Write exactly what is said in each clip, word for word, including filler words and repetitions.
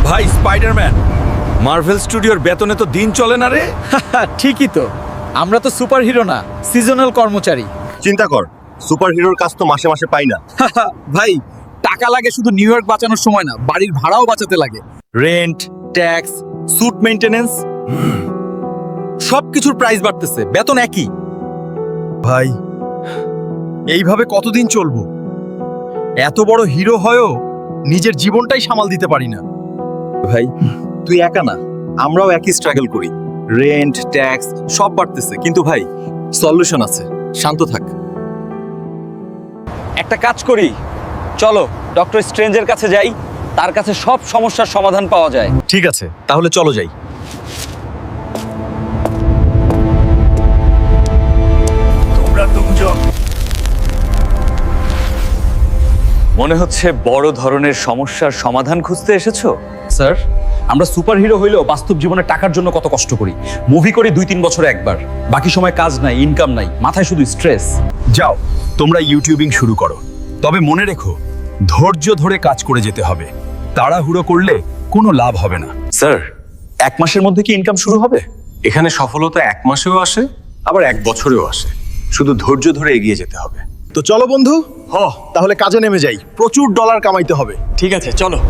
ভাই Spiderman, Marvel স্টুডিওর বেতনে তো দিন চলে না রে। ঠিকই তো, আমরা তো সুপার হিরো না, সিজনাল কর্মচারী। চিন্তা কর, সুপার হিরোর কাজ তো মাসে মাসে পাই না। ভাই, টাকা লাগে শুধু নিউ ইয়র্ক বাঁচানোর সময় না, বাড়ির ভাড়াও বাঁচাতে লাগে। রেন্ট, ট্যাক্স, স্যুট মেইনটেনেন্স, সবকিছুর প্রাইস বাড়তেছে, বেতন একই। ভাই, এইভাবে কতদিন চলবো? এত বড় হিরো হয়েও নিজের জীবনটাই সামাল দিতে পারি না। ভাই তুই একা না, আমরাও একই স্ট্রাগল করি। রেন্ট, ট্যাক্স সব বাড়তেছে, কিন্তু ভাই সলিউশন আছে, শান্ত থাক। একটা কাজ করি, চলো ডক্টর স্ট্রেঞ্জের কাছে যাই, তার কাছে সব সমস্যার সমাধান পাওয়া যায়। ঠিক আছে, তাহলে চলো যাই। মনে হচ্ছে বড় ধরনের সমস্যার সমাধান খুঁজতে এসেছো। স্যার, আমরা সুপারহিরো হইলেও বাস্তব জীবনে টাকার জন্য কত কষ্ট করি। মুভি করি দুই তিন বছরে একবার, বাকি সময় কাজ নাই, ইনকাম নাই, মাথায় শুধু স্ট্রেস। যাও, তোমরা ইউটিউবিং শুরু করো, তবে মনে রেখো ধৈর্য ধরে কাজ করে যেতে হবে। তাড়াহুড়ো করলে কোনো লাভ হবে না। স্যার, এক মাসের মধ্যে কি ইনকাম শুরু হবে? এখানে সফলতা এক মাসেও আসে, আবার এক বছরেও আসে। শুধু ধৈর্য ধরে এগিয়ে যেতে হবে। তো চলো বন্ধু, হ তাহলে কাজে নেমে যাই, প্রচুর ডলার কামাইতে হবে। ঠিক আছে, চলো।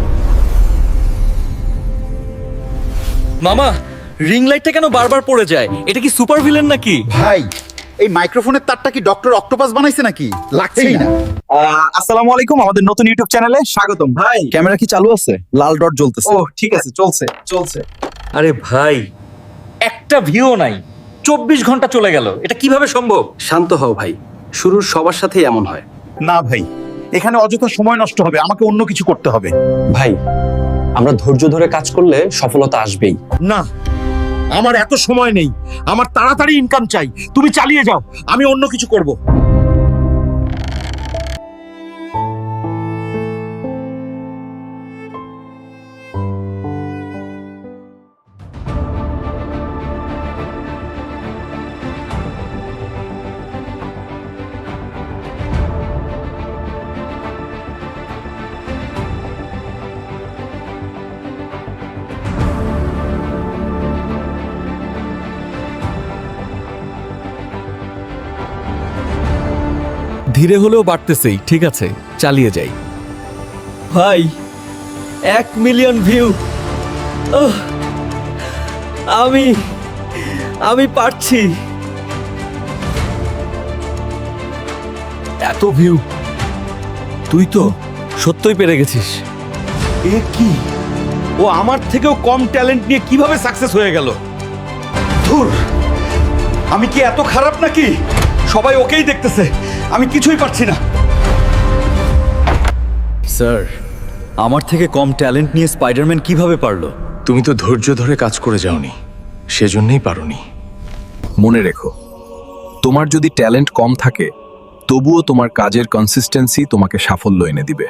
মামা, রিং লাইটটা কেন বারবার পড়ে যায়? এটা কি সুপার ভিলেন নাকি? ভাই, এই মাইক্রোফোনের তারটা কি ডক্টর অক্টোপাস বানাইছে নাকি? লাগছেই না। আসসালামু আলাইকুম, আমাদের নতুন ইউটিউব চ্যানেলে স্বাগতম। ভাই ক্যামেরা কি চালু আছে? লাল ডট জ্বলতেছে। ও ঠিক আছে, চলছে চলছে। আরে ভাই, একটা ভিউ নাই, চব্বিশ ঘন্টা চলে গেল, এটা কিভাবে সম্ভব? শান্ত হও ভাই, শুরুর সবার সাথেই এমন হয়। না ভাই, এখানে অযথা সময় নষ্ট হবে, আমাকে অন্য কিছু করতে হবে। ভাই, আমরা ধৈর্য ধরে কাজ করলে সফলতা আসবেই। না, আমার এত সময় নেই, আমার তাড়াতাড়ি ইনকাম চাই। তুমি চালিয়ে যাও, আমি অন্য কিছু করব। ধীরে হলেও বাড়তেছেই, ঠিক আছে, চালিয়ে যাই। ভাই, এক মিলিয়ন ভিউ। আমি আমি পারছি। এত ভিউ, তুই তো সত্যই পেরে গেছিস। এ কি? ও আমার থেকেও কম ট্যালেন্ট নিয়ে কিভাবে সাকসেস হয়ে গেল? ধুর, আমি কি এত খারাপ নাকি? সবাই ওকেই দেখতেছে, আমি কিছুই পারছি না। স্যার, আমার থেকে কম ট্যালেন্ট নিয়ে স্পাইডারম্যান কিভাবে পারলো? তুমি তো ধৈর্য ধরে কাজ করে যাওনি, সেজন্যই পারোনি। মনে রেখো, তোমার যদি ট্যালেন্ট কম থাকে, তবুও তোমার কাজের কনসিস্টেন্সি তোমাকে সাফল্য এনে দিবে।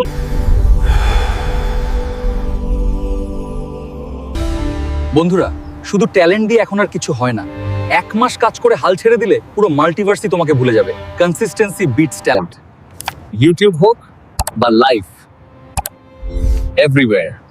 বন্ধুরা, শুধু ট্যালেন্ট দিয়ে এখন আর কিছু হয় না। এক মাস কাজ করে হাল ছেড়ে দিলে পুরো মাল্টিভার্সই তোমাকে ভুলে যাবে। Consistency bits talent. ইউটিউব হোক বা লাইফ, এভরিওয়্যার